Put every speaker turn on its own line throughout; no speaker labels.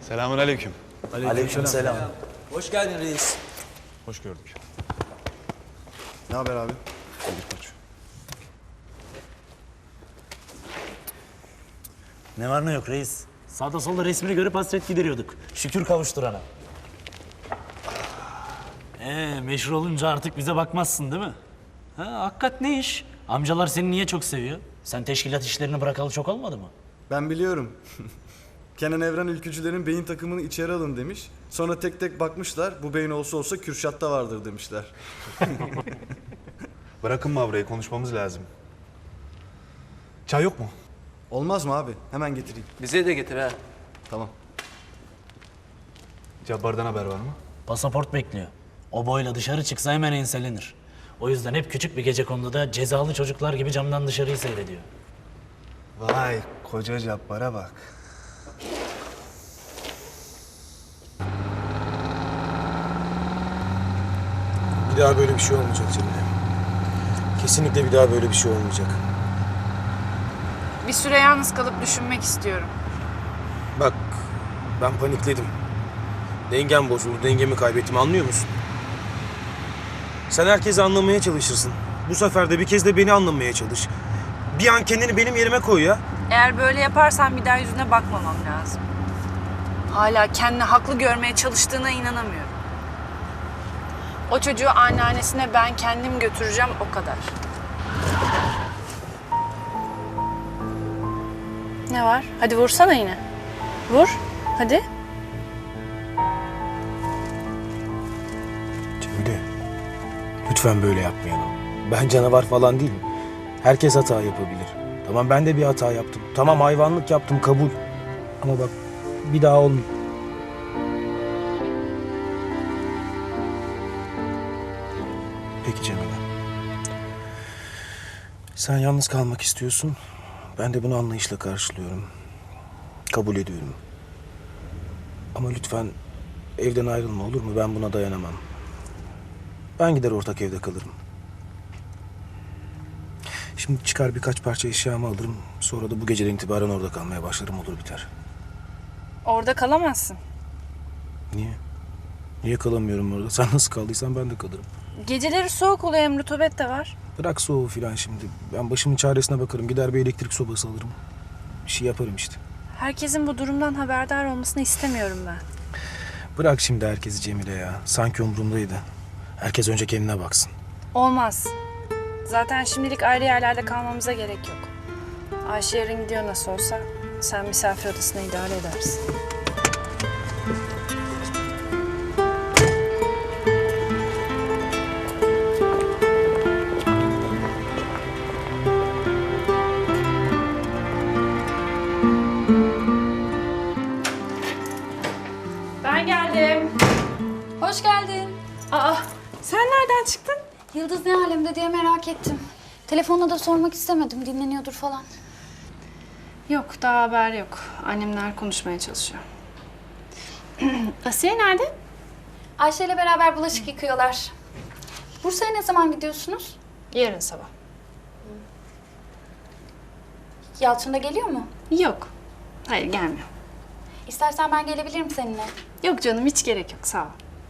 Selamünaleyküm.
Aleykümselam.
Hoş geldin reis.
Hoş gördük.
Ne haber abi?
İyidir koç.
Ne var ne yok reis. Sağda solda resmini görüp hasret gideriyorduk. Şükür kavuşturana. Meşhur olunca artık bize bakmazsın değil mi? Ha, hakikat ne iş? Amcalar seni niye çok seviyor? Sen teşkilat işlerini bırakalı çok olmadı mı?
Ben biliyorum. Kenan Evren ülkücülerin beyin takımını içeri alın demiş. Sonra tek tek bakmışlar. Bu beyin olsa olsa Kürşat'ta vardır demişler.
Bırakın Mavra'yı, konuşmamız lazım. Çay yok mu?
Olmaz mı abi? Hemen getireyim.
Bize de getir ha.
Tamam.
Cabbar'dan haber var mı?
Pasaport bekliyor. O boyla dışarı çıksa hemen enselenir. O yüzden hep küçük bir gecekonduda cezalı çocuklar gibi camdan dışarıyı seyrediyor.
Vay, koca Cabbar'a bak.
Bir daha böyle bir şey olmayacak Cemile. Kesinlikle bir daha böyle bir şey olmayacak.
Bir süre yalnız kalıp düşünmek istiyorum.
Bak, ben panikledim. Dengem bozuldu, dengemi kaybettim, anlıyor musun? Sen herkesi anlamaya çalışırsın. Bu sefer de bir kez de beni anlamaya çalış. Bir an kendini benim yerime koy ya.
Eğer böyle yaparsan bir daha yüzüne bakmamam lazım. Hala kendini haklı görmeye çalıştığına inanamıyorum. O çocuğu anneannesine ben kendim götüreceğim, o kadar. Ne var? Hadi vursana yine. Vur. Hadi.
Cemile, lütfen böyle yapmayalım. Ben canavar falan değilim. Herkes hata yapabilir. Tamam, ben de bir hata yaptım. Tamam, hayvanlık yaptım, kabul. Ama bak, bir daha olmuyor. Peki Cemile. Sen yalnız kalmak istiyorsun. Ben de bunu anlayışla karşılıyorum. Kabul ediyorum. Ama lütfen evden ayrılma, olur mu? Ben buna dayanamam. Ben gider ortak evde kalırım. Şimdi çıkar birkaç parça eşyamı alırım. Sonra da bu geceden itibaren orada kalmaya başlarım, olur biter.
Orada kalamazsın.
Niye? Niye kalamıyorum orada? Sen nasıl kaldıysan ben de kalırım.
Geceleri soğuk oluyor, hem rutubet de var.
Bırak soğuğu filan şimdi. Ben başımın çaresine bakarım. Gider bir elektrik sobası alırım. Bir şey yaparım işte.
Herkesin bu durumdan haberdar olmasını istemiyorum ben.
Bırak şimdi herkesi Cemile ya. Sanki umurumdaydı. Herkes önce kendine baksın.
Olmaz. Zaten şimdilik ayrı yerlerde kalmamıza gerek yok. Ayşe yarın gidiyor nasıl olsa. Sen misafir odasına idare edersin. Ben geldim.
Hoş geldin.
Aa, sen nereden çıktın?
Yıldız ne alemde diye merak ettim. Telefonla da sormak istemedim. Dinleniyordur falan.
Yok, daha haber yok. Annemler konuşmaya çalışıyor. Asiye nerede?
Ayşe ile beraber bulaşık yıkıyorlar. Bursa'ya ne zaman gidiyorsunuz?
Yarın sabah.
Yalçın da geliyor mu?
Yok. Hayır, gelmiyor.
İstersen ben gelebilirim seninle.
Yok canım, hiç gerek yok. Sağ ol.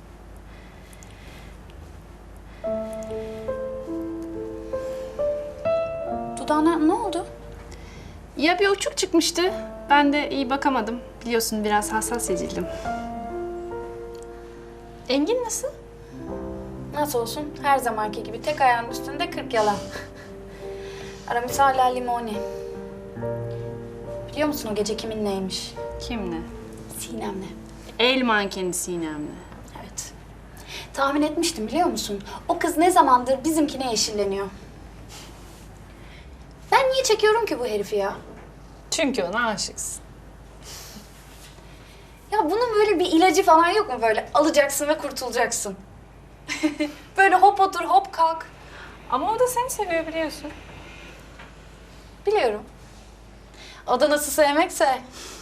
Dudağına ne oldu?
Ya bir uçuk çıkmıştı. Ben de iyi bakamadım. Biliyorsun biraz hassas ya cildim. Engin nasıl?
Nasıl olsun? Her zamanki gibi tek ayağının üstünde 40 yalan. Aramis hala limoni. Biliyor musun o gece kiminleymiş?
Kimle?
Sinem'le.
El mankeni Sinem'le.
Evet. Tahmin etmiştim biliyor musun? O kız ne zamandır bizimkine yeşilleniyor. Ben niye çekiyorum ki bu herifi ya?
Çünkü ona aşıksın.
Ya bunun böyle bir ilacı falan yok mu böyle? Alacaksın ve kurtulacaksın. Böyle hop otur hop kalk.
Ama o da seni seviyor, biliyorsun.
Biliyorum. O da nasıl sevmekse.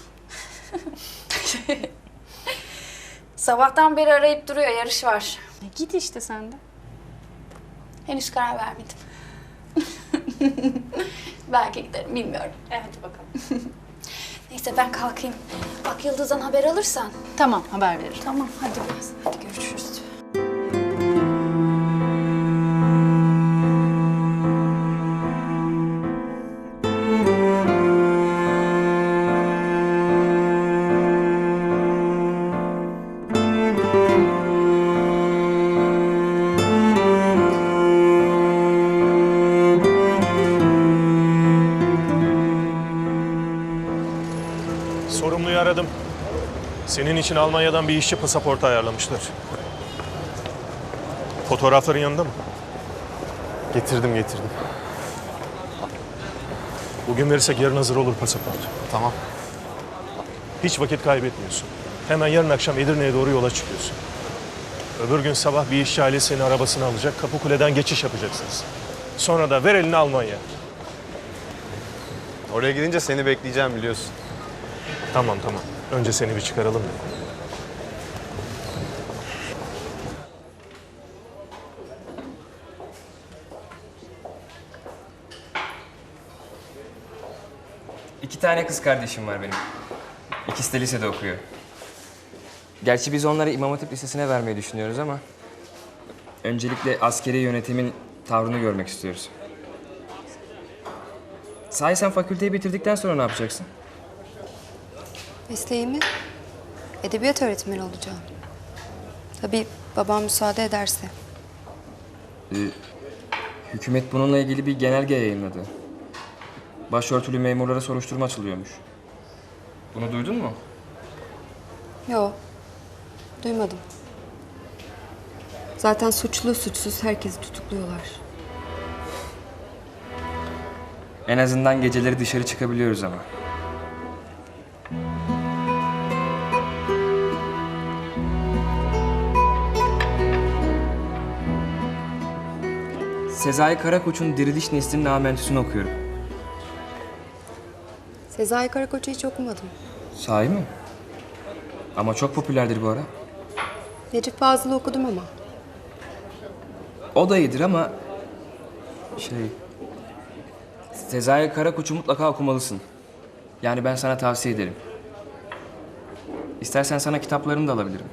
Sabahtan beri arayıp duruyor, yarış var.
Git işte sen de.
Henüz karar vermedim. Belki giderim, bilmiyorum.
Evet, bakalım.
Neyse ben kalkayım. Bak Yıldız'dan haber alırsan.
Tamam, haber veririm.
Tamam hadi biraz. Hadi görüşürüz.
Sorumluyu aradım. Senin için Almanya'dan bir işçi pasaportu ayarlamışlar. Fotoğrafların yanında mı?
Getirdim.
Bugün verirsek yarın hazır olur pasaport.
Tamam.
Hiç vakit kaybetmiyorsun. Hemen yarın akşam Edirne'ye doğru yola çıkıyorsun. Öbür gün sabah bir işçi ailesi seni arabasına alacak. Kapıkule'den geçiş yapacaksınız. Sonra da ver elini Almanya.
Oraya gidince seni bekleyeceğim biliyorsun.
Tamam. Önce seni bir çıkaralım da.
İki tane kız kardeşim var benim. İkisi de lisede okuyor. Gerçi biz onları İmam Hatip Lisesi'ne vermeyi düşünüyoruz ama... ...öncelikle askeri yönetimin tavrını görmek istiyoruz. Sahi sen fakülteyi bitirdikten sonra ne yapacaksın?
Mesleğimi edebiyat öğretmeni olacağım. Tabii babam müsaade ederse.
Hükümet bununla ilgili bir genelge yayınladı. Başörtülü memurlara soruşturma açılıyormuş. Bunu duydun mu?
Yo, duymadım. Zaten suçlu suçsuz herkesi tutukluyorlar.
En azından geceleri dışarı çıkabiliyoruz ama. Sezai Karakoç'un Diriliş Nesli'nin amentüsünü okuyorum.
Sezai Karakoç'u hiç okumadım.
Sahi mi? Ama çok popülerdir bu ara.
Necip Fazıl'ı okudum ama.
O da iyidir ama... Sezai Karakoç'u mutlaka okumalısın. Yani ben sana tavsiye ederim. İstersen sana kitaplarını da alabilirim.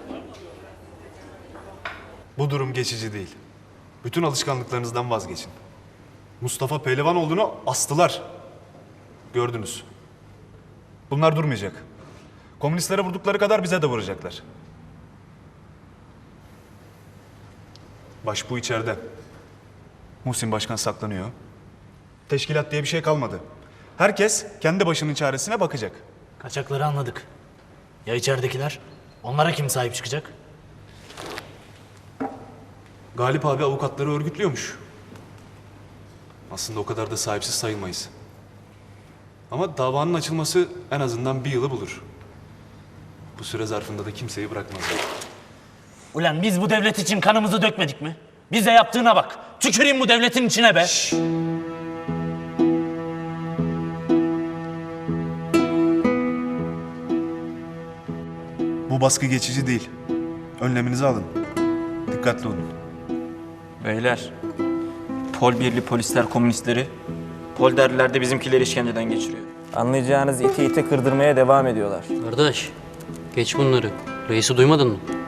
Bu durum geçici değil. Bütün alışkanlıklarınızdan vazgeçin. Mustafa Pehlivanoğlu'nu astılar. Gördünüz. Bunlar durmayacak. Komünistlere vurdukları kadar bize de vuracaklar. Başbuğ içeride. Muhsin Başkan saklanıyor. Teşkilat diye bir şey kalmadı. Herkes kendi başının çaresine bakacak.
Kaçakları anladık. Ya içeridekiler? Onlara kim sahip çıkacak?
Galip abi avukatları örgütlüyormuş. Aslında o kadar da sahipsiz sayılmayız. Ama davanın açılması en azından bir yılı bulur. Bu süre zarfında da kimseyi bırakmazlar.
Ulan biz bu devlet için kanımızı dökmedik mi? Bize yaptığına bak. Tüküreyim bu devletin içine be.
Bu baskı geçici değil. Önleminizi alın. Dikkatli olun.
Beyler, Pol birli polisler komünistleri, Polderliler de bizimkileri işkenceden geçiriyor.
Anlayacağınız iti ite kırdırmaya devam ediyorlar.
Kardeş, geç bunları. Reisi duymadın mı?